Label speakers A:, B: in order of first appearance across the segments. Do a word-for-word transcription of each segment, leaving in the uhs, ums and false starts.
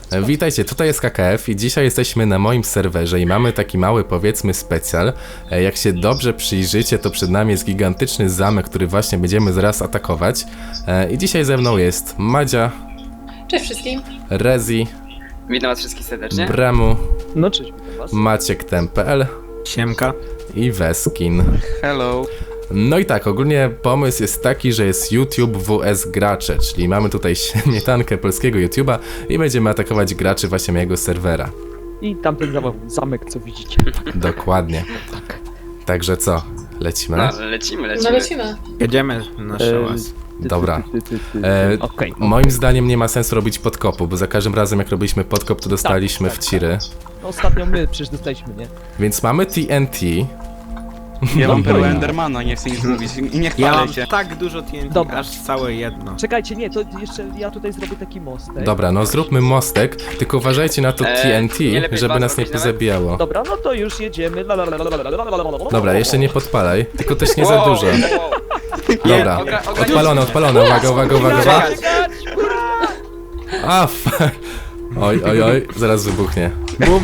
A: Witajcie, tutaj jest K K F i dzisiaj jesteśmy na moim serwerze i mamy taki mały, powiedzmy, specjal. Jak się dobrze przyjrzycie, to przed nami jest gigantyczny zamek, który właśnie będziemy zaraz atakować. I dzisiaj ze mną jest Madzia.
B: Cześć wszystkim.
A: Rezi.
C: Witam was wszystkich serdecznie.
A: Bremu.
D: No cześć, witam was.
A: Maciek T M P L.
D: Siemka.
A: I Weskin.
C: Hello.
A: No i tak, ogólnie pomysł jest taki, że jest YouTube W S Gracze, czyli mamy tutaj śmietankę polskiego YouTube'a i będziemy atakować graczy właśnie mojego serwera.
D: I tamten zamek, zamek co widzicie.
A: Dokładnie. Także co? Lecimy?
C: No, lecimy, lecimy.
B: No lecimy.
E: Jedziemy na szałas.
A: Dobra.
D: Ty, ty, ty, ty.
A: E,
D: Okej.
A: moim zdaniem nie ma sensu robić podkopu, bo za każdym razem jak robiliśmy podkop, to dostaliśmy
D: Tak,
A: w
D: tak,
A: ciry.
D: No, ostatnio my przecież dostaliśmy, nie?
A: Więc mamy T N T.
F: Ja mam
D: No,
F: perłę
D: no.
F: Endermana, nie chcę nic mówić i nie
E: Ja
F: chwalę
E: mam
F: się.
E: tak dużo T N T,
D: Dobra.
E: aż całe jedno.
D: Czekajcie, nie, to jeszcze ja tutaj zrobię taki mostek.
A: Dobra, no zróbmy mostek, tylko uważajcie na to
C: E,
A: T N T,
C: nie lepiej
A: żeby
C: bazę
A: nas nie
C: robić nawet?
A: pozabijało.
D: Dobra, no to już jedziemy. La, la, la, la, la, la, la, la, la, la.
A: Dobra, jeszcze nie podpalaj, tylko też nie za
C: Wow,
A: dużo.
C: wow.
A: Dobra,
C: Ogra- ogra-
A: odpalone, odpalone, uwaga, uwaga, uwaga, uwaga.
D: Czekać, kurwa!
A: A, fuck. Oj, oj, oj, zaraz wybuchnie.
E: Bum!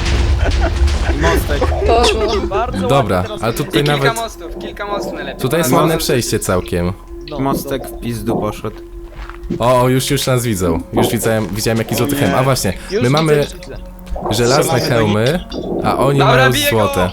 E: I mostek.
B: Poszło.
D: Bardzo
A: Dobra,
D: ładnie teraz
A: ale
C: I
A: tutaj
C: kilka
A: nawet...
C: mostów, kilka mostów najlepiej.
A: Tutaj jest
C: No,
A: ładne
C: no,
A: przejście całkiem.
D: No,
E: Mostek w pizdu poszedł.
A: O, o, już, już nas widzą. Już widziałem, widziałem jaki złoty hełm. A właśnie,
D: Już
A: my
D: widzę,
A: mamy
D: już widzę.
A: żelazne
F: Strzelamy do
A: hełmy, a oni
C: Dobra,
A: mają
C: biję go!
A: złote.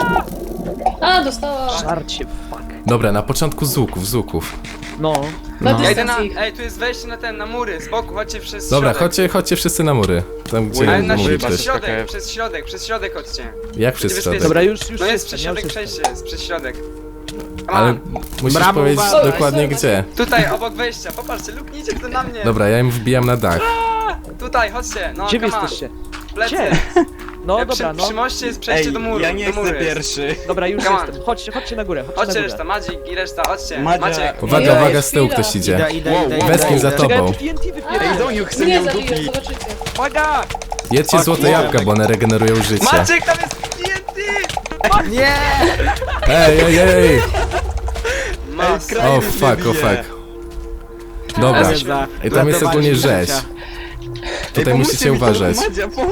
B: A, dostała.
D: Żarcie, fuck.
A: Dobra, na początku z łuków, z łuków.
D: No.
B: Na
C: Ja idę na,
B: dystans ich.
C: ej, tu jest wejście na ten, na mury, z boku, chodźcie przez
A: Dobra,
C: środek.
A: chodźcie, chodźcie wszyscy na mury. Tam gdzie
C: Ale na
A: mówi
C: środek,
A: ktoś.
C: przez środek, przez środek, przez środek chodźcie.
A: Jak przez
C: Będzie
A: środek?
D: Dobra, już, już
C: No jest
D: jestem,
C: przez
D: ja już
C: środek
D: jestem.
C: przejście, jest przez środek.
A: Ale
C: Ale...
A: musisz
E: Brawo,
A: powiedzieć
E: uważaj.
A: dokładnie gdzie.
C: Tutaj, obok wejścia, popatrzcie, luknijcie to na mnie.
A: Dobra, ja im wbijam na dach.
C: Tutaj, chodźcie, no,
D: Gdzie wy
C: come on.
D: jesteście?
C: Plecy.
D: Gdzie? No
C: E,
D: dobra,
C: przy,
D: no.
C: przy moście jest przejście
F: Ej,
C: do muru,
F: ja nie
C: do
F: chcę
C: muru jest.
F: pierwszy.
D: Dobra, już
C: Come on.
D: jestem. Chodźcie, chodźcie na górę, chodźcie
C: Chodźcie
D: na
C: reszta,
D: górę.
C: Madzik i reszta, chodźcie.
F: Madzia.
C: Maciek.
A: Uwaga,
B: Ej,
A: uwaga, z tyłu
B: chwila.
A: ktoś idzie.
E: Idę, idę,
F: Wow,
E: idę,
F: wow.
E: idę,
A: Weskin za
E: idę.
A: to-
D: Czekaj, ja
A: tobą.
D: tu T N T
F: Ej,
D: wypieram.
F: Doniu, chce
B: Nie
F: mnie
B: zabiję,
F: udupić.
B: zobaczycie.
D: Uwaga!
A: Jedźcie złote jabłka, bo one regenerują życie.
C: Maciek, tam jest T N T!
E: Nie!
A: Ej, ej, ej!
C: Mas.
F: kraj-
A: O
F: mnie
A: fuck, o
F: bije.
A: fuck. Dobra,
E: Ale za
A: i tam jest ogólnie
E: ratowanie
A: rzeź.
E: życia.
A: Tutaj
F: Ej,
A: musicie
F: pomóżcie mi,
A: uważać.
F: Madzia, pomóż.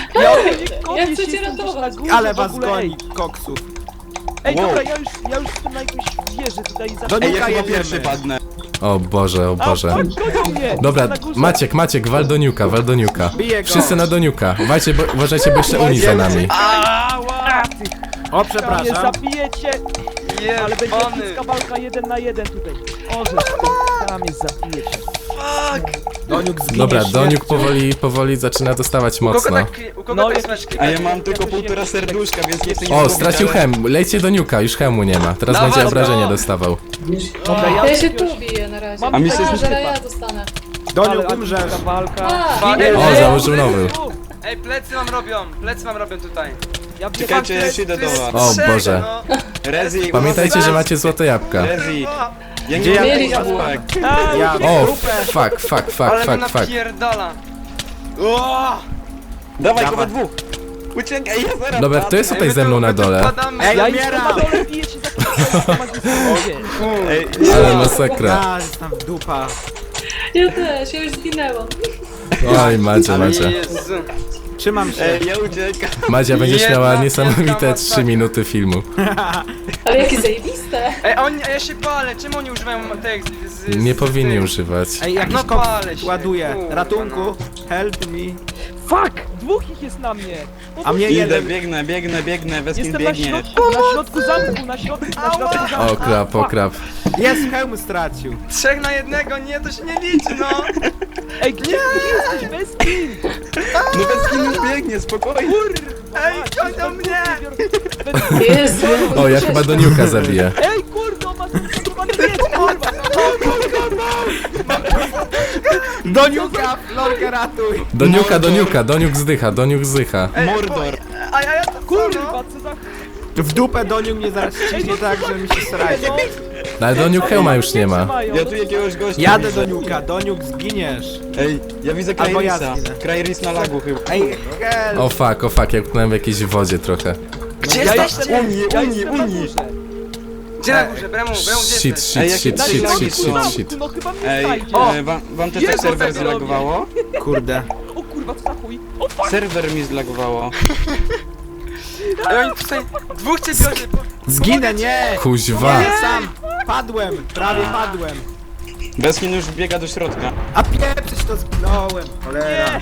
B: Ja chcę cię ratować.
E: Ale was goni, koksów.
D: Ej,
F: Wow.
D: dobra, ja już, ja już jestem na jakąś wieży tutaj za...
E: Do
F: Ej, ja
E: Nuka
F: chyba
E: jedziemy.
F: pierwszy padnę.
A: O Boże, o
D: A,
A: Boże.
D: fuck, gonią mnie!
A: Dobra,
D: Na górze.
A: Maciek, Maciek, wal do niuka, wal do niuka.
E: Biję go.
A: Wszyscy na doniuka. Uważajcie, bo, uważajcie, bo jeszcze Uni za nami.
D: Ała!
E: O,
D: Nie
E: przepraszam.
D: zabijecie! Ale będzie
C: Jebany.
D: bliska walka jeden na jeden tutaj. O, że tam jest zabijecie.
E: Doniuk zginiesz.
A: Dobra,
E: nie?
A: Doniuk powoli, powoli zaczyna dostawać
C: U kogo
A: mocno.
C: tak, u kogo
D: No,
C: tak
D: ja-
C: smeczki?
F: A ja mam tylko
D: Jakoś
F: półtora
D: nie-
F: serduszka, więc nie chcę nic
A: O,
F: mówić,
A: stracił
F: ale-
A: hem. Lejcie do niuka, już hemu nie ma. Teraz
C: Dawaj
A: będzie
C: go!
A: obrażenia dostawał.
D: Dobra,
B: Ja się
D: jakiegoś-
B: tu biję na razie.
D: Mam
F: A mi się
B: A,
F: zrzuca-
B: że ja dostanę.
E: Doniuk,
D: Ale
E: umrzesz.
D: ta walka.
B: A,
C: Ej,
A: O,
C: ej,
A: założył nowy.
C: Ej, plecy mam robią, plecy mam robią tutaj.
D: Ja
F: Czekajcie, ja się idę do was.
A: O
C: Trzech,
A: Boże.
C: no.
F: Rezi,
A: Pamiętajcie, że macie złote jabłka.
F: Rezi. Ja
E: Gdzie
F: nie
E: ja
F: mam
B: Mieli
F: jabłek.
E: Ja
A: O, fuck, fuck, fuck,
C: Ale mnie
A: fuck, fuck.
C: napierdala. O!
F: Dawaj go
E: Dawaj.
F: we dwóch. Uciekaj, ja zaraz
A: Dobra, kto jest
C: Ej,
A: tutaj
C: my
A: ze
C: tu-
A: mną na
C: my tu
A: dole?
C: wpadamy.
E: Ej,
D: Ja
E: umieram.
D: jestem na dole, biję się za magistrę.
F: Ej,
A: Ale masakra.
E: A, jestem w dupa.
B: ja też, ja już zginęłam.
A: Oj, Madzia, Madzia.
C: Jezu.
E: Trzymam się.
F: Ej, ja uciekam.
A: Madzia, będziesz
C: Jedna
A: miała
C: wielka
A: niesamowite
C: masakra.
A: trzy minuty filmu.
B: Ale jakie zajebiste.
C: Ej, oni, a ja się palę, czemu oni używają tych z, z,
A: Nie
C: z,
A: powinni
C: tych?
A: używać.
E: Ej, jakiś
C: No
E: koks
C: palę się,
E: ładuje.
C: kurwa,
E: Ratunku,
C: no.
E: help me.
D: Fuck! Dwóch ich jest na mnie!
E: A mnie
F: Idę,
E: jeden.
F: biegnę, biegnę, biegnę, Weskin
D: Jestem na
F: biegnie.
D: środku, na środku zamku, na środku, na środku zamku.
A: O krap, o krap.
E: Jest, hełm stracił.
C: Trzech na jednego, nie, to się nie liczy, no.
D: Ej, gdzie ty jesteś? Bez kin!
F: No Weskin już biegnie, spokojnie.
C: Ej, gonią mnie.
B: Jezu.
A: O, ja chyba do niuka zabiję.
D: Ej, kurde, on ma skontrolowany miecz, kurwa!
E: Doniuka, Florkę ratuj.
A: Do niuka, do niuka, doniuk zdycha, doniuk zdycha.
C: Ej,
F: Mordor.
C: A ja, ja to co, no?
D: Kurwa, co za...
E: W dupę Doniuk mnie zaraz ściśnie tak, że mi się sraje.
D: No,
A: No ale doniuk hełma już nie ma.
F: Ja tu jakiegoś gościa
E: Jadę
F: widzę.
E: Doniuka, Doniuk zginiesz.
F: Ej, ja widzę
E: Albo ja
F: Krairisa.
E: zginę.
F: Krairis na lagu chyba.
E: Ej, help.
A: O fuck, o fuck, jak utknąłem w jakiejś wodzie trochę.
C: Gdzie
D: ja
C: jesteście?
D: jestem,
F: Unii,
D: ja
F: Unii,
D: jestem na
F: Unii.
D: górze.
C: Gdzie na górze? Bremu, Bremu, gdzie
A: Shit,
C: jesteś?
A: shit,
F: Ej, jakie
A: shit,
D: Na
F: Shit,
A: shit,
D: środku
A: shit, shit,
D: zamku,
A: shit.
D: no chyba mnie
F: Ej,
D: znajdzie.
C: O!
F: e, wam, wam też
D: Jest
F: tak serwer
D: tak robię.
F: zalagowało?
E: Kurde.
D: O kurwa, kurwa, co za chuj? O fuck!
F: Serwer mi zlagowało.
C: Ej, oni tutaj dwóch cię biorze, bo...
E: Zginę, nie!
A: Kuźwa.
E: Nie, sam! Padłem, prawie padłem.
F: Beskin już biega do środka.
E: A pieprzyć to zginąłem, cholera.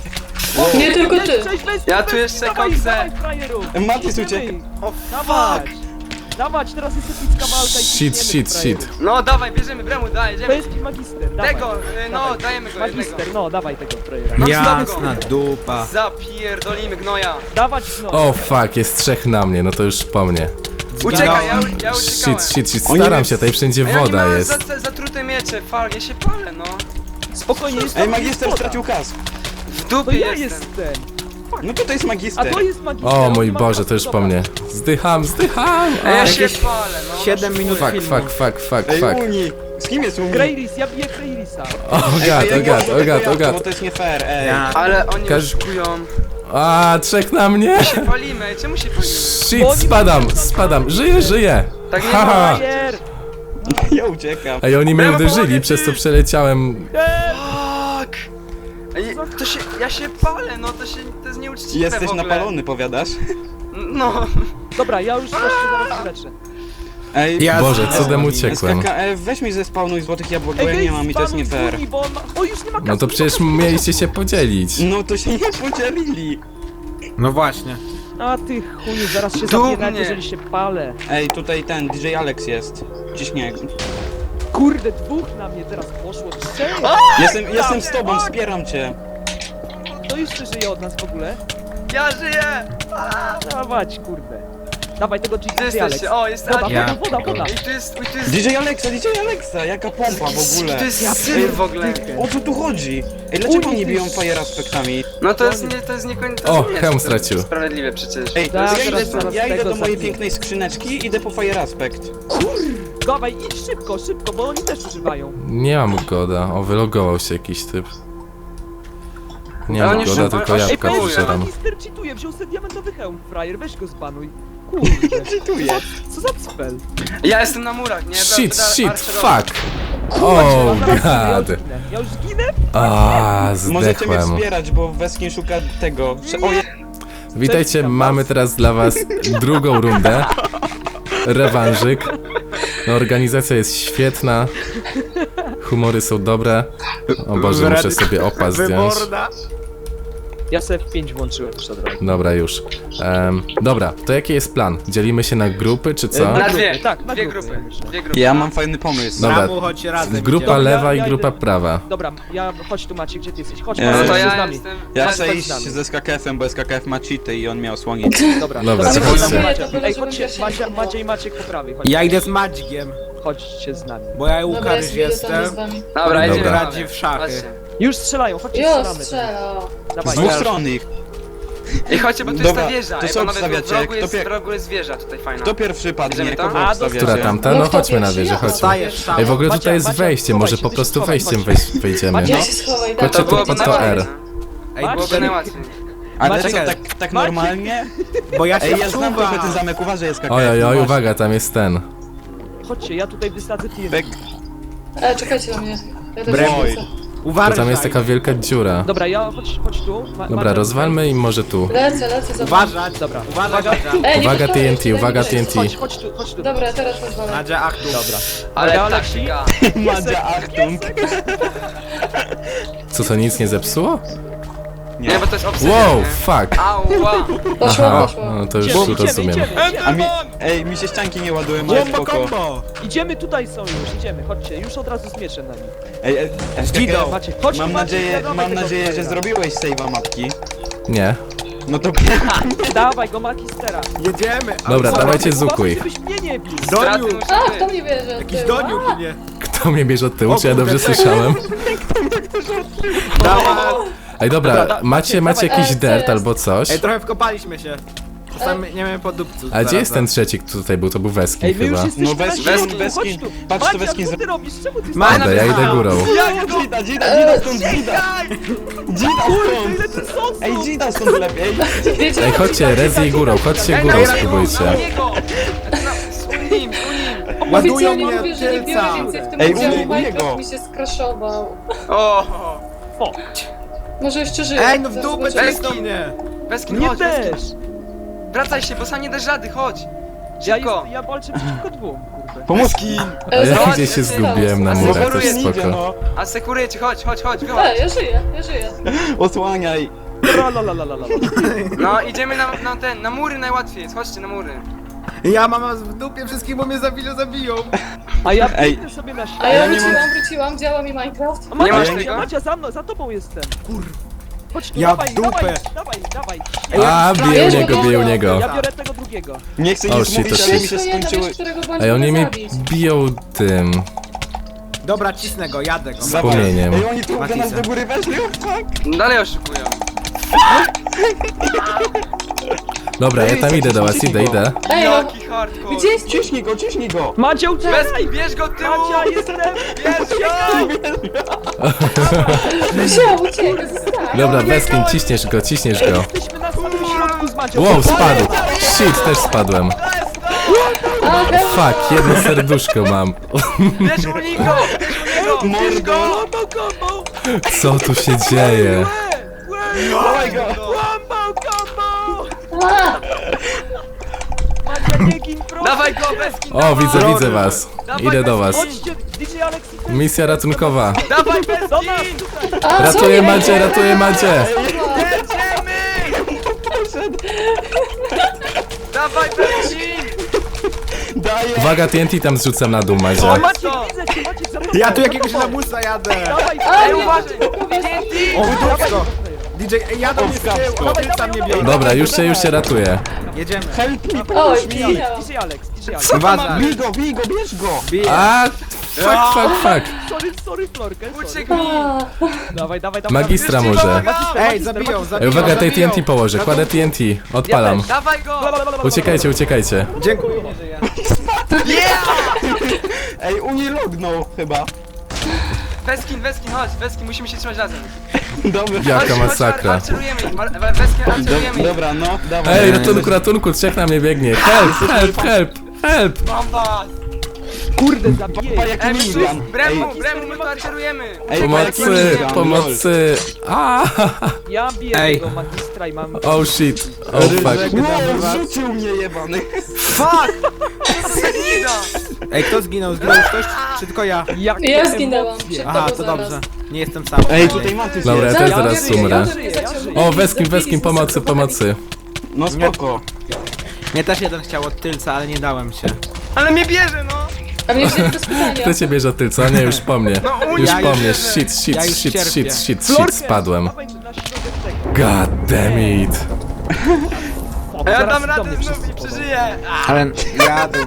B: Nie tylko ty.
D: Cześć, weź,
C: Ja
D: weź,
C: tu jeszcze
D: dawaj,
C: koksę.
D: dawaj, frajeru.
F: Matis
D: Idziemy.
F: ucieka.
E: O
D: Dawać!
E: fuck!
D: Dawać, teraz jest epicka walka i
A: Shit,
D: ciśniemy,
A: shit,
D: frajeru.
A: shit.
C: No dawaj, bierzemy, Bremu, daj, jedziemy.
D: Męski magister, dawaj.
C: Tego, y, no,
D: Dawaj.
C: dajemy go jednego.
D: Magister, no, dawaj tego frajera.
C: No,
E: Jasna dupa.
C: Zapierdolimy gnoja.
D: Dawać, no.
A: O fuck, jest trzech na mnie, no to już po mnie.
C: Uciekaj, ja, ja uciekałem.
A: Shit, shit, shit,
F: Oni
A: staram
F: nie-
A: się, tutaj wszędzie
C: A ja nie
A: woda
C: mam
A: jest.
C: za- za- zatrute miecze, fal, ja się palę, no.
D: Spokojnie, jest
F: Ej,
D: tam
F: magister
D: woda.
F: stracił kask.
C: W
D: To
C: dupie
D: ja
C: jestem.
D: jestem.
F: No tutaj jest
D: A
F: magister.
D: to jest magister.
A: O
D: on
A: mój
D: ma
A: Boże,
D: kasę,
A: to już po
D: dobra.
A: mnie. Zdycham, zdycham!
C: A ja
A: A,
C: się
E: Jakieś
C: palę, no.
E: siedem minut
A: Fuck,
E: filmu.
A: fuck, fuck, fuck,
F: Ej,
A: fuck.
F: Uni! Z kim jest Uni?
D: Greyris, ja biję Greyrisa.
A: O
F: Ej,
A: gad,
F: ja
A: o
F: nie
A: gad,
F: mogę
A: o gad,
F: tego
A: o
F: jabłka,
A: gad.
F: bo to jest nie fair, ej.
E: Ja.
C: Ale oni
A: Każ-
C: oszukują.
A: A, trzech na mnie!
C: Się palimy, ej, czemu się palimy?
A: Shit, spadam, spadam, żyję, żyję!
C: Tak nie
A: Haha!
D: Frajer!
F: Ja uciekam.
A: Ej, oni mnie
C: Brawo,
A: uderzyli,
C: pomogę
A: przez
C: ci.
A: to przeleciałem.
C: Fuck! Ej, to się, ja się palę, no to się, to jest nieuczciwe
F: Jesteś
C: w ogóle.
F: napalony, powiadasz?
C: No.
D: Dobra, ja już właśnie zaraz leczę.
F: Ej,
E: Ja
A: Boże,
E: zginąłem.
A: cudem uciekłem.
F: S K K F, weź mi zespawnuj złotych jabłek, bo
D: Ej,
F: ja nie
D: Greyrис,
F: mam i to jest nie
D: spanuj
F: fair.
D: Uni, bo on ma... O, już nie ma kasy,
A: No to
D: nie ma
A: przecież
D: kasy.
A: mieliście się podzielić.
F: No to się nie podzielili.
E: No właśnie.
D: A ty chuju, zaraz się
C: Dumnie.
D: zabiję, nawet jeżeli się palę.
F: Ej, tutaj ten D J Alex jest. Ciśnie.
D: Kurde, dwóch na mnie teraz poszło, trzech!
F: Jestem, jestem z tobą, wspieram cię.
D: To jeszcze żyje od nas w ogóle.
C: Ja żyję!
D: Dawać, kurde. Dawaj tego
C: Gdzie
D: G G Alex.
C: jesteście? O, jest
D: Woda,
C: Adi.
E: Ja.
D: woda, woda, woda.
C: Ej, tu jest, oj, tu jest...
F: D J Alexa, D J Alexa, jaka pompa w ogóle.
C: To jest syn w ogóle.
F: O co tu chodzi? Ej, dlaczego
D: Uni,
F: nie
D: ty
F: biją
D: sz-
F: fire aspektami?
C: No to jest nie, to jest niekoniecznie... to
A: O,
C: nie jest
A: hełm
C: to
A: stracił.
C: Sprawiedliwe przecież.
F: Ej,
D: Tak,
F: ja
D: teraz
F: idę,
D: zaraz
F: ja idę
D: tego
F: do mojej
D: zabiję.
F: pięknej skrzyneczki, idę po fire aspect.
D: Dawaj, idź szybko, szybko, bo oni też używają.
A: Nie mam goda, o wylogował się jakiś typ. Nie
C: Ale
A: mam
C: oni
A: goda,
C: szybko-
A: tylko
C: Ej,
A: jabłka
C: powiedz, że
A: wyżeram.
D: magister cheatuje, wziął sobie diamentowy hełm, frajer, weź go zbanuj. Kurde,
F: Czytuję.
D: co za spell?
C: Ja jestem na murach, nie?
A: Shit,
C: Będę
A: shit,
C: archerował.
A: fuck! Oh
D: Dobra, ja już
A: god!
D: zginę. Ja już zginę?
A: A,
F: Możecie mnie
A: zdechłem.
F: wspierać, bo Weskin szuka tego. Prze- o, je-
A: Witajcie, mamy teraz dla was drugą rundę. Rewanżyk. No, organizacja jest świetna. Humory są dobre. O Boże, muszę sobie opas zdjąć.
E: Wyborna.
D: Ja sobie w pięć włączyłem już od razu.
A: Dobra, już. Em, dobra, to jaki jest plan? Dzielimy się na grupy, czy co?
C: Na dwie,
D: Tak, na
C: dwie
D: grupy,
C: grupy.
D: ja myślę.
C: Dwie grupy.
F: Ja mam fajny pomysł.
A: Dobra.
E: Samu, chodź razem.
A: Grupa
E: idziemy.
A: lewa
D: ja
A: i grupa
D: idę.
A: prawa.
D: Dobra, ja, chodź tu Maciek, gdzie ty jesteś? Chodź,
F: E,
C: No
D: Maciek,
C: to
D: chodź z
C: ja
D: nami.
C: jestem...
F: Ja
D: Chodź,
F: chcę
D: chodź
F: iść
D: z nami.
F: ze S K K F-em, bo S K K F ma cheaty i on miał słonić.
D: Dobra,
A: Dobra,
D: to
A: chodźcie.
D: chodź, Macia.
B: To byle,
D: Ej,
B: żebym
D: chodźcie,
B: ja się
D: Macia,
B: nie bała.
D: Macia i Maciek po prawej,
E: Ja
D: chodźcie.
E: idę z Madźgiem,
D: Chodźcie z nami.
E: bo ja
B: Dobra,
E: Łukasz
B: jest widzę tam z
E: jestem.
B: wami.
C: Dobra, jedziemy.
A: Dobra.
E: Radzi w szachy.
C: Patrzcie.
D: Już strzelają, chodźcie,
B: Jo,
D: strzelamy.
B: strzela.
F: Z
D: Dawaj,
F: dwóch
D: ja-
F: stron ich.
C: Ej, chodźcie, bo tu
F: Dobra,
C: jest ta wieża.
F: to
C: Ej,
F: co
C: panowie,
F: obstawiacie?
C: w rogu
F: Kto
C: jest,
F: pie-
C: w rogu jest wieża tutaj fajna.
F: Kto pierwszy padnie?
C: Idziemy tam?
F: Kogo
D: A,
F: obstawiacie?
A: Która tamta?
B: No
A: No
B: kto
A: chodźmy na
B: pierwszy?
A: wieżę,
B: Ja
A: chodźmy.
E: Stajesz tam.
A: Ej, w ogóle
D: Macia,
A: tutaj jest
D: Macia,
A: wejście,
D: schowaj
A: może
D: się,
A: po
D: ty się
A: prostu
D: schowaj,
A: wejściem
D: chodź.
A: wejść, wejdziemy.
D: Macia,
B: Ja się schowaj,
A: Chodźcie
C: To
B: dawaj.
A: tu
C: byłoby
A: pod to R.
C: najłatwiej.
E: Ej,
C: Byłoby
E: czekaj,
C: najłatwiej.
F: Ale
E: Maciek.
F: co, tak, tak
D: Maciek.
F: normalnie?
E: bo ja się
F: Ej, ja znam trochę ten
E: wczuwam.
F: zamek, uważaj S K K F.
A: Oj, oj, oj,
F: uważaj.
A: uwaga, tam jest ten.
D: Chodźcie, ja tutaj wysadzę T N T.
F: Bek.
B: E, czekajcie na mnie. Ja też
E: Broj.
B: lecę.
A: To
E: Uważaj.
A: tam jest taka wielka dziura.
D: Dobra, ja, chodź, chodź tu. Ma,
A: Dobra,
D: Macia,
A: rozwalmy i może tu.
B: Lecę, lecę za wami.
E: Uważać,
D: Dobra,
E: uważaj,
D: uwaga.
E: Nadzia.
B: Ej, nie
A: Uwaga
B: podchodź,
A: T N T,
B: daj mi
A: uwaga
B: wejść.
A: T N T.
D: Chodź, chodź tu, chodź tu.
B: Dobra, teraz rozwalam.
E: Nadzia, ach tu.
D: Dobra.
C: Ale
D: Uwaga,
C: taktyka.
F: Madzia Achtung.
A: Co, to nic nie zepsuło?
C: Nie, bo to jest obsydian,
A: Wow,
C: nie?
A: fuck.
C: Ała!
B: Poszło,
A: Aha,
B: poszło.
A: no to już
D: Idziemy, idziemy,
A: rozumiem.
D: idziemy,
F: A
D: idziemy.
F: mi, ej, mi się ścianki nie ładują, ale
E: Bomba
F: spoko.
E: combo.
D: Idziemy, tutaj są już, idziemy, chodźcie, już od razu z mieczem na nich.
F: Ej, ej, S K K
E: Zginął.
F: F,
D: Macie, chodź
F: mam
D: tu, Maciek,
F: nadzieję,
D: dawaj
F: mam
D: tego
F: nadzieję, że
D: frajera.
F: zrobiłeś save'a mapki.
A: Nie.
F: No to
D: Dawaj go, magistera.
E: Jedziemy.
A: Dobra,
E: Ale-
A: dawajcie
D: Uważaj,
A: zukuj.
D: żebyś mnie nie bił.
C: Straty
E: Doniu.
C: muszą
B: A,
C: być.
B: kto mnie bierze?
E: Jakiś
B: Ty,
E: doniu
B: a,
E: mnie.
A: Kto mnie bierze od tyłu,
E: O
A: czy ja
E: kurde,
A: dobrze
E: czekaj.
A: słyszałem?
E: Dawaj.
A: Ej, dobra,
D: Dobra,
A: macie,
D: dawaj,
A: macie
B: dawaj.
A: jakiś
B: Ej, co
A: dirt
B: jest?
A: albo coś?
E: Ej, trochę wkopaliśmy się. Czasami nie wiem po dupcu.
A: A gdzie jest ten trzeci, kto tutaj był? To był Weskin
D: Ej, wy już
A: chyba.
D: jesteśmy
F: No,
D: na
F: Weskin,
D: środku,
F: Weskin.
D: chodź tu.
F: Patrz, to
D: Macia,
F: Weskin
D: co
F: z-
D: ty robisz? Czemu ty
E: Ma-
A: Dobra, ja idę górą.
F: Jak Dzida, Dzida, Dzida stąd, Dzida! Dzida stąd!
D: Ile ty sosów?
F: Ej, Dzida stąd lepiej!
B: Wiecie,
A: Ej, chodźcie, Rezi górą, chodźcie
C: Ej,
A: górą,
C: nagraj go,
A: spróbujcie.
C: na niego! Z unim, z unim!
E: Ładują
B: oficjalnie
E: mnie
B: mówię, że nie biorę
E: tylca.
B: więcej w tym
F: Ej,
B: udziału.
F: u mnie- u
B: Minecraft
F: niego.
B: mi się skraszował.
C: O!
D: O,
B: Może jeszcze żyje.
E: Ej, no w
B: Zaraz
E: dupę
B: zobaczymy.
E: czekaj do mnie!
C: Weskin,
D: Nie
C: chodź,
D: też!
C: Weskin. Wracaj się, bo sam nie dasz rady, chodź.
D: Ja,
C: Szybko.
D: jest, ja walczę przeciwko dwóm, kurde.
F: Pomóżki!
A: A
B: E,
A: ja
B: zobacz,
A: gdzieś się
B: co stało.
A: zgubiłem na
C: A
A: murach,
C: sekuruje,
A: też
F: Idzie,
A: spoko.
F: no.
C: A sekuruje ci, chodź, chodź, chodź, wychodź.
B: E, ja żyję, ja żyję.
F: Osłaniaj.
D: Tralalalala.
C: No, idziemy na, na ten, na mury najłatwiej jest, chodźcie na mury.
E: Ja mam was w dupie wszystkich, bo mnie zabiją, zabiją!
D: A ja
F: Ej.
D: biegnę sobie na
B: A
D: ścianę.
B: ja
F: nie mam-
B: wróciłam, wróciłam, działa mi Minecraft.
D: A Macia,
C: Nie masz
D: Macia,
C: tego?
D: Macia, za mną, za tobą jestem. Kur... Chodź tu,
E: Ja
D: dawaj,
E: w dupę.
D: dawaj, dawaj, dawaj.
A: A, bije u
B: Bierz
A: niego,
B: go,
A: bije u
B: bierz go.
A: niego.
D: Ja biorę tego drugiego.
F: Nie chcę
A: O,
F: nic
A: shit,
F: mówić,
A: to
F: ale mi
A: shit.
F: się
B: Weź to jeden,
F: skończyły...
B: wiesz, którego bądź
A: Ej, oni mnie
B: zabić.
A: biją tym
E: Dobra, cisnę go, jadę go.
F: Dawaj.
A: płomieniem.
F: Ej, oni tu do
E: Matisa.
F: nas do góry weszli, o fuck!
C: Dalej oszukują.
A: Dobra, ja tam idę do was, idę, idę.
B: Ej, no,
C: Jaki hardcore.
B: gdzie jest?
F: Ciśnij go, ciśnij go!
D: Macia, uciekaj!
C: Weskin, bierz go tyłu!
D: Macia, jestem!
C: Bierz go!
B: Wziął, uciekaj, zostań.
A: Dobra, Weskin, ciśniesz go, ciśniesz go.
D: Jesteśmy na samym środku z Macią.
A: Wow, spadł! Shit, też spadłem.
B: A,
A: Fuck, jedno serduszko mam.
C: Bierz u niego! Bierz u niego! Bierz go!
D: Łamał combo!
A: Co tu się dzieje?
F: Dawaj go!
D: Łamał combo!
B: a,
D: Macia, nie gin, proszę!
C: Dawaj go, Weskin!
A: O,
C: dawaj!
A: widzę, widzę was. Idę do was.
D: Chodźcie, D J Alex i ten.
A: Misja ratunkowa.
C: Dawaj,
D: Do nas,
C: Weskin!
D: tutaj!
B: a,
A: Ratuję
B: co?
A: Macie, ratuję Macie.
C: Jedziemy! Dawaj, Weskin!
F: Daję!
A: Uwaga, T N T tam zrzucam na dół, Macie.
D: O, Maciek, widzę cię, Maciek, za tobą!
E: Ja tu
D: za
E: jakiegoś
D: tobą.
E: lamusa jadę!
D: Dawaj,
B: A,
C: Ej,
B: nie,
C: uważaj!
E: O, wydupsko! D J, ej, jadą mnie z tyłu, odwrócam mnie biorą.
A: Dobra, już się, już się ratuję.
E: Jedziemy.
F: Help me,
B: Oj,
F: pomóż mi!
B: zginął.
D: D J Alex, D J Alex.
E: Uważaj.
F: Bij go, bij go, bierz go!
E: Bije.
A: A, fuck, fuck, fuck.
D: Sorry, sorry, Florkę, sorry.
C: Ucieknij!
B: A,
D: Dawaj, dawaj, dawaj.
A: Magistra
C: Już ci
A: może.
C: pomagam!
E: Ej, zabiją, zabiją,
A: Ej, uwaga, tej
E: zabiją.
A: T N T położę, kładę T N T. Odpalam.
C: Dawaj go!
A: Uciekajcie, uciekajcie.
E: Dziękuję, nie żyję.
F: Ej, Uni lognął chyba.
C: Weskin, Weskin, chodź, Weskin, musimy się trzymać razem.
F: Dobra.
A: Jaka
C: Chodź,
A: masakra.
C: Chodź, arcerujemy ich, Mar- We- Weskin, arcerujemy
F: Do,
C: ich.
F: dobra, no, dawaj.
A: Ej, ratunku, ratunku, trzech na mnie biegnie. Help, help, help, help.
C: Mam was!
D: Kurde, zabiję.
F: Pa, jaki
C: Ej,
F: minigun.
C: wszyscy,
F: Ej,
C: Bremu, Bremu, my tu arcerujemy!
F: ej,
A: Pomocy, pomocy. A,
D: Ja biję
E: Ej.
D: tego magistra i mam...
A: oh shit. Oh fuck.
F: Wow, rzucił mnie jebany.
C: Fuck! Co to za gnida?
E: Ej, kto zginął? Zginął ktoś? Czy tylko ja?
D: Jakie
B: ja zginęłam.
D: emocje.
B: Przed
E: Aha,
B: tobą
E: to
B: zaraz.
E: dobrze. Nie jestem sam.
F: Ej, tutaj Matys
A: Dobra, ja
F: jest.
A: też
B: Ja
A: zaraz
B: żyję,
A: umrę.
B: ja żyję, ja żyję.
A: O, Weskin, Weskin, pomocy, pomocy.
F: No spoko.
E: Mnie też jeden chciał od tylca, ale nie dałem się.
C: Ale mnie bierze, no!
B: A mnie wzięli bez pytania.
A: Kto cię bierze od tylca? Nie, już po mnie.
C: No, u
A: Już
E: ja
A: po
E: już
A: mnie.
E: wierzę.
A: Shit, shit,
E: Ja już
A: shit,
E: cierpię.
A: shit, shit,
D: Florkę,
A: shit, spadłem.
D: dawaj na środek tego.
A: God damn it.
D: Fuck,
C: A ja
D: zaraz
C: dam
D: do
C: radę
D: mnie
C: znów
D: wszyscy
C: i
D: podą.
C: przeżyję!
E: Ale jadę.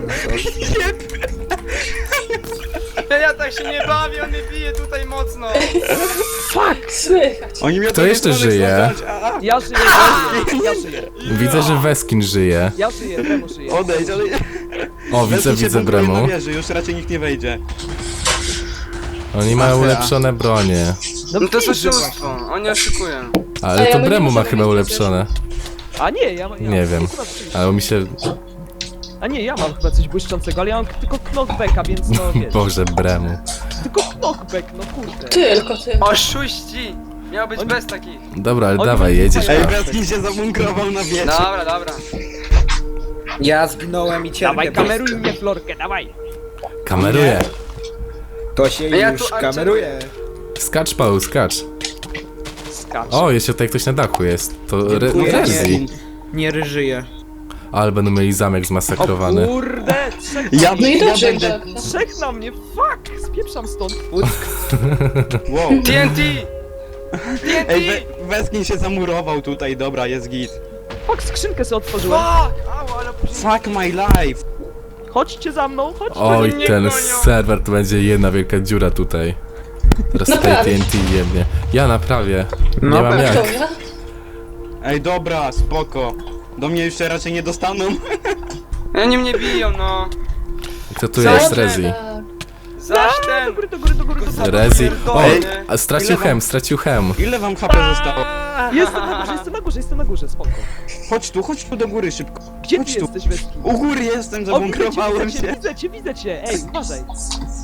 C: Ja, ja tak się nie bawię, on mnie bije tutaj mocno!
B: Słychać.
F: Oni mnie
A: Kto jeszcze żyje?
D: Ja żyję, ja żyję, ja żyję.
A: Widzę, że Weskin żyje.
D: Ja żyję, Bremu żyje.
F: Odejdź, odejdź.
A: O, widzę,
F: Wezmij się
A: widzę
F: bunkruje na
A: Bremu.
F: wieży, już raczej nikt nie wejdzie.
A: Oni mają
F: Aha.
A: ulepszone bronie.
C: No to jest
D: widzę
C: oszustwo, oni oszukują.
A: Ale
B: A ja
A: to
B: my nie
A: Bremu ma
B: możemy
A: chyba
B: mieć
A: ulepszone.
D: właśnie. A nie, ja, ja
A: Nie wiem.
D: akurat coś-
A: Ale mi się...
D: A nie, ja mam chyba coś błyszczącego, ale ja mam tylko knockbacka, więc no wiesz.
A: Boże, Bremu.
D: Tylko knockback, no kurde.
B: Tylko ty.
C: Oszuści! Miał być
D: Oni-
C: bez takich.
A: Dobra, ale
D: Oni
A: dawaj,
D: będą
A: jedziesz.
F: Ej,
D: Tak.
F: Weskin się zabunkrował na wieży.
C: Dobra, dobra.
E: Ja zginąłem i cierpię.
D: Dawaj, kameruj mnie, Florkę, dawaj.
A: Kameruję.
E: To się
C: A ja
E: już
C: tu
E: kameruje.
A: Skacz, Paul, skacz.
D: Skacz.
A: O, jeszcze tutaj ktoś na dachu jest. To Re
E: Dziękuję.
A: Rezi.
E: Nie ryżyję.
A: Ale będą mieli zamek zmasakrowany.
D: O kurde, trzech,
F: Ja,
B: No i
F: ja
B: dobrze,
F: będę...
B: tak.
D: trzech na mnie, fuck, spieprzam stąd.
F: Wow.
C: T N T! T N T!
F: Ej, We Weskin się zamurował tutaj, dobra, jest git.
D: Fuck, skrzynkę sobie otworzyłem.
C: Fuck! Au, ale później...
F: Fuck my life.
D: Chodźcie za mną, chodźcie.
A: Oj,
C: mnie
A: ten
C: gonią.
A: serwer to będzie jedna wielka dziura tutaj. Teraz tutaj T
B: Naprawisz.
A: N T jebnie. Ja naprawię. Nie
E: No
A: mam
E: pewnie.
A: jak.
B: Dobra.
F: Ej, dobra, spoko. Do mnie jeszcze raczej nie dostaną.
C: Oni mnie biją, no.
A: Kto tu jest?
B: Dobra,
A: Rezi.
B: tak.
C: Zaś
D: Do
C: ten!
D: góry, do góry, do góry, do góry.
A: Rezi. O,
C: Ej.
A: a stracił
F: Ile wam-
A: hem, stracił hem.
F: Ile wam H P zostało?
D: Jestem na górze, jestem na górze, jestem na górze, spoko.
F: Chodź tu, chodź tu do góry szybko.
D: Gdzie ty
F: Chodź tu.
D: jesteś, Weski?
F: U góry jestem,
D: O, widzę cię,
F: zabunkrowałem
D: widzę cię,
F: się.
D: widzę cię, widzę cię, ej, uważaj.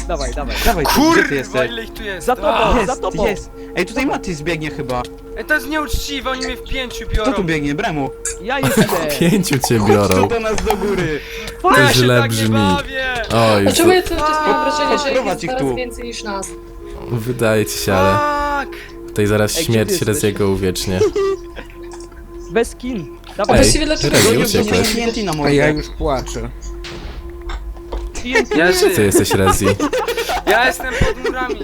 D: Dawaj, dawaj.
F: Dawaj, gdzie ty
C: Kurwa,
F: jesteś?
C: ile ich tu jest?
D: Za tobą,
C: A,
D: za tobą.
F: Jest! Ej, tutaj Mati zbiegnie chyba.
C: Ej, to jest nieuczciwe, oni mnie w pięciu
F: Kto
C: biorą.
F: tu biegnie? Bremu.
D: Ja jestem.
A: Pięciu cię
F: Chodź
A: biorą.
F: tu do nas do góry.
C: No
A: To
C: ja się
A: źle
C: tak nie
A: brzmi.
C: bawię.
A: Oj,
B: Dlaczego ja cały czas mam wrażenie, że ich
F: Odprowadź
B: jest
F: ich
B: coraz
F: tu.
B: więcej niż nas?
A: wydaje ci się, ale
C: Fuck.
A: tutaj zaraz
D: Ej,
A: śmierć
D: gdzie ty jesteś?
A: Reziego uwiecznie.
D: Bez kin.
B: A
D: Dawaj,
A: Ej,
B: właściwie dlaczego
A: Rezi,
B: nie
F: Nie
A: uciekłeś.
F: T N T na
E: A
F: mordę.
E: ja już płaczę.
C: Ja
A: Ty
C: żyję.
A: jesteś Rezi.
C: Ja jestem pod murami.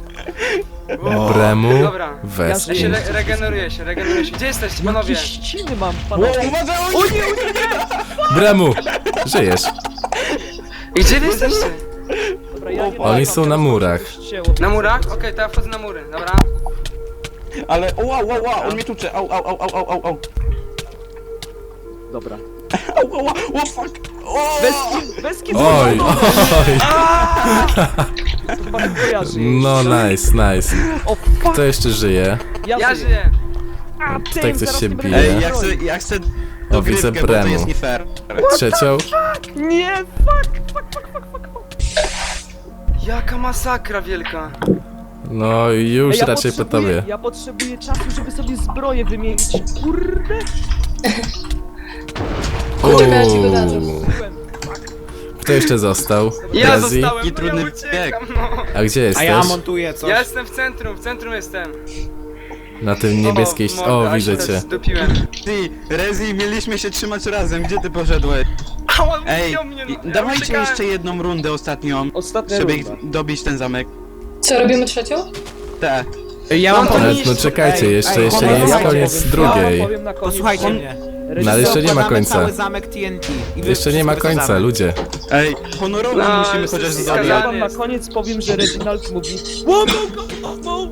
A: Bremu,
C: Dobra.
A: Wes.
C: Ja się re regeneruję się, regeneruję się. Gdzie jesteście, panowie?
D: jakie ściny mam,
F: O,
D: panowie.
F: uważaj,
D: O nie, o nie,
A: Bremu! Żyjesz.
C: Gdzie wy jesteście?
D: Dobra, ja nie
A: Oni
D: mam,
A: są na
D: teraz
A: murach.
D: już ścięło.
C: Na murach? Okej, to ja wchodzę na mury, dobra.
F: Ale, o, wow, wow, wow, on mnie tucze. Au, au, au, au, au, au, au.
D: Dobra.
F: Au, au, au, o, fuck. O!
D: Bez kin, bez kin.
A: Oj, oj.
D: Chyba nie kojarzy.
A: No nice, nice.
D: O fuck,
A: Kto jeszcze żyje?
D: ja,
C: Ja
D: żyję.
C: żyję.
D: A,
A: Tutaj
D: tym,
A: ktoś
D: zaraz
A: się
D: nie
A: bije.
D: będę
F: Ej,
D: miał
F: ja chcę,
D: broni.
F: ja chcę
A: O, widzę
F: dogrywkę, bo to
A: Bremu.
F: jest nie fair.
A: Trzecią?
D: Nie, fuck, fuck, fuck, fuck, fuck.
C: Jaka masakra wielka.
A: No już
D: Ej, ja
A: raczej po
D: potrzebuję-
A: tobie.
D: Ja potrzebuję czasu, żeby sobie zbroję wymienić. Kurde.
B: Czekaj, ja ci go dadzę.
A: Uuu. Kto jeszcze został?
C: Ja
A: Rezi?
C: zostałem,
F: I trudny
C: ja uciekam, no.
A: A gdzie
E: A
A: jesteś?
E: ja montuję coś.
C: Ja jestem w centrum, w centrum jestem.
A: Na tym niebieskiej... ści-
C: mordę,
A: O,
C: aż
A: widzę
C: się
A: cię.
C: zdupiłem.
F: Ty, Rezi, mieliśmy się trzymać razem, gdzie ty poszedłeś?
C: Ała,
F: Ej,
C: zdjął mnie,
F: i-
C: no. Ja
F: dawajcie
C: uciekałem.
F: jeszcze jedną rundę ostatnią,
D: Ostatnia
F: żeby
D: runda.
F: ich dobić ten zamek.
B: Co, robimy trzecią?
F: Te.
E: Ja
C: No
E: mam
C: to
A: Ale,
E: pomysł.
A: no czekajcie,
E: Ej,
A: jeszcze,
E: ej,
A: jeszcze nie jest
E: posłuchajcie,
A: koniec
E: powiem.
A: drugiej.
D: Ja powiem na koniec.
E: Posłuchajcie
D: On-
E: mnie.
A: No ale jeszcze nie ma
E: Zakładamy
A: końca.
E: cały zamek T N T. I wy
A: Jeszcze nie ma
E: wszystko
A: końca,
E: zamek.
A: ludzie.
F: Ej, honorowo
C: No,
F: musimy
C: jesteś
F: chociaż
C: skazany.
F: zadać.
D: Ja wam na
C: jest.
D: koniec powiem, że Reginald mówi Łomą go, łomą!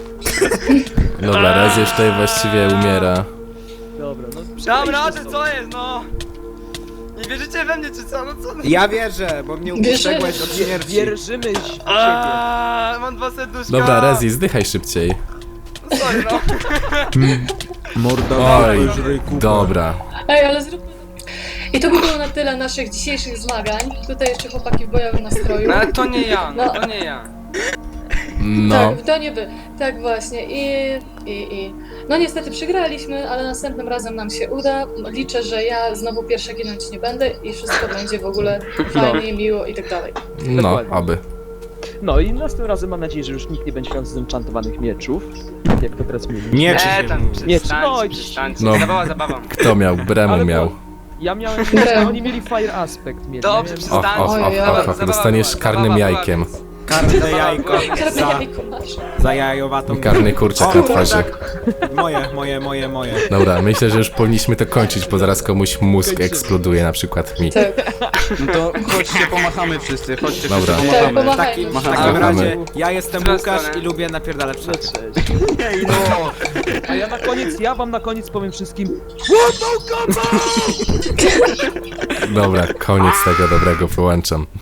A: Dobra, raz już tutaj właściwie umiera.
D: Dobra, no
C: Dobra,
D: przejdźmy
C: ty
D: stąd.
C: co jest, no? Nie wierzycie we mnie, czy co? No co?
E: Ja wierzę, bo mnie uprzedzałeś od śmierci.
D: Wierzymy w siebie.
C: Aaaa, mam dwa serduszka.
A: Dobra, Rezi, zdychaj szybciej.
C: No sorry, no.
E: Mordowa,
A: Oj, dobra.
B: Ej, ale zróbmy to. I to by było na tyle naszych dzisiejszych zmagań. Tutaj jeszcze chłopaki w bojowym nastroju.
C: No ale to nie ja, no to nie ja.
A: No.
B: Tak, to nie wy. Tak właśnie. I, i, i. No niestety przegraliśmy, ale następnym razem nam się uda. Liczę, że ja znowu pierwsza ginąć nie będę i wszystko będzie w ogóle fajnie, miło i tak dalej.
A: No,
D: Dokładnie.
A: oby.
D: No i następnym razem mam nadzieję, że już nikt nie będzie miał zenchantowanych mieczów. Tak jak to teraz mówię.
E: Nie, czy
C: E,
E: się
C: tam,
E: mówi.
D: Nie,
C: przestańcie,
D: no i-
C: przestańcie.
A: No.
C: Zabawa, zabawa.
A: Kto miał? Bremu
D: Ale
A: miał.
D: bo Ja miałem, a oni mieli fire aspect mieli.
C: Dobrze,
D: ja miałem-
A: Och, och,
C: przestańcie.
A: och,
B: Oj,
A: och, och,
C: zabawa
A: dostaniesz
C: była,
A: karnym
C: zabawa była,
A: jajkiem.
C: więc-
E: Karne
C: Zabawa
E: jajko.
C: była.
B: Karne
E: Za,
B: jajko masz.
E: za jajowatą.
A: Karny kurczak na twarzy.
E: Moje, moje, moje, moje.
A: Dobra, myślę, że już powinniśmy to kończyć, bo zaraz komuś mózg eksploduje, na przykład mi.
B: Tak.
F: No to chodźcie, pomachamy wszyscy, chodźcie
A: Dobra.
F: wszyscy,
B: Tak,
F: pomachamy.
E: W
B: pomachajmy.
E: takim, w
F: Machamy.
E: takim
A: Machamy.
E: razie ja jestem
C: W którą
E: Łukasz
C: stronę?
E: i lubię napierdalać
D: No,
E: wszędzie.
D: cześć.
F: Ej, no!
D: A ja na koniec, ja wam na koniec powiem wszystkim
A: Dobra, koniec tego dobrego, wyłączam.